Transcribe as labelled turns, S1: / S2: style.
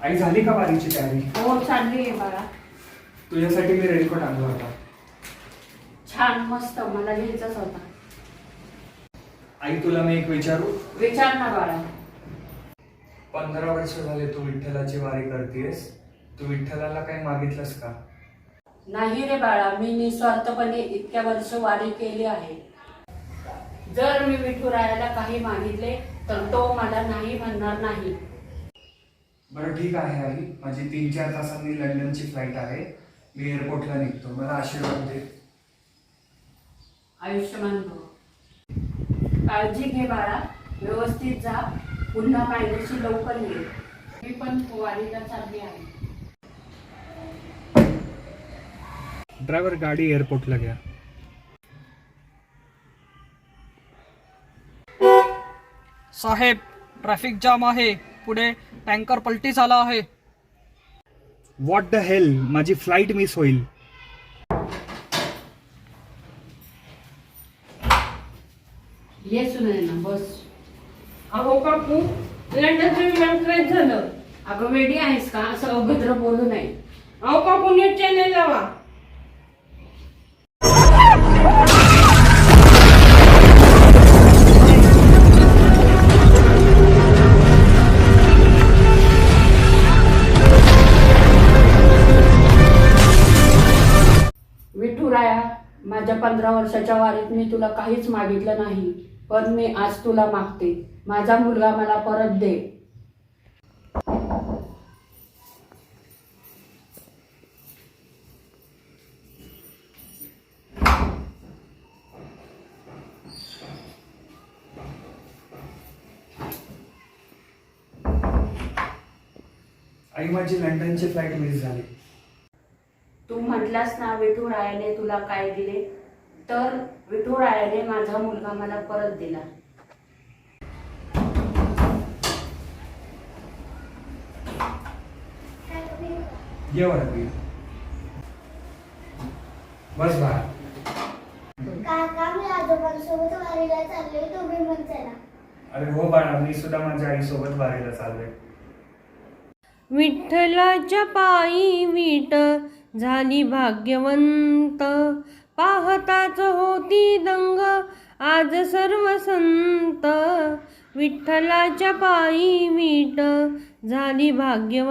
S1: आई झाली का वारीची तयारी?
S2: हो चालली आहे बाळा.
S1: तुझ्यासाठी मी रेनकोट आणला होता.
S2: छान मस्त, मला घ्यायचाच होता.
S1: आई तुला मी एक विचारू?
S2: विचार ना बाळा.
S1: 15 वर्ष झाले तू विठ्ठलाची वारी करतेस. तू विठ्ठलाला काही मागितलंस का?
S2: नाही रे बाळा, मी निस्वार्थपणे इतक्या वर्ष वारी केली आहे. जर मी विठुरायाला काही मागितले तर तो मला नाही म्हणणार नाही.
S1: बरं ठीक आहे आई, माझी 3-4 तासांनी लंडनची फ्लाईट आहे. मी एअरपोर्टला निघतो. मला आशीर्वाद दे.
S2: आयुष्यमान भव. काळजी घे बाळा, व्यवस्थित जा. पुन्हा पाहिजेशी लवकर ये. मी पण वारीला चालली आहे.
S1: ड्रायव्हर गाडी एअरपोर्टला घ्या.
S3: साहेब, ट्रॅफिक जाम आहे. पुढे टँकर पलटी झाला आहे.
S1: व्हॉट द हेल, माझी फ्लाईट मिस होईल.
S2: ये सुनैना, बस.
S4: अहो काकू, लंडनचं विमान क्रॅश झालं.
S2: अगं वेडी आहेस का? असं अभद्र बोलू नये.
S4: अहो काकू, नीट चॅनल लावा.
S2: विठुराया, माझ्या 15 वर्षाच्या वारीत मी तुला काहीच मागितलं नाही, पण मी आज तुला मागते. माझा मुलगा मला परत दे.
S1: आई माझी लंडनची फ्लाईट मिस झाली.
S2: तू म्हटलास ना विठुरायाने तुला काय दिले, तर विठुरायाने माझा मुलगा मला परत दिला.
S1: ये वरती बस बाळा.
S5: काका, मी आजोबांसोबत वारीला चालले, तुम्ही पण चला.
S1: अरे हो बाळा, मी सुद्धा माझ्या आईसोबत वारीला चाललोय.
S6: विठ्ठलाच्या पायी वीट झाली भाग्यवंत, पाहताच होती दंग आज सर्व संत. विठ्ठलाच्या पायी वीट झाली भाग्यवंत.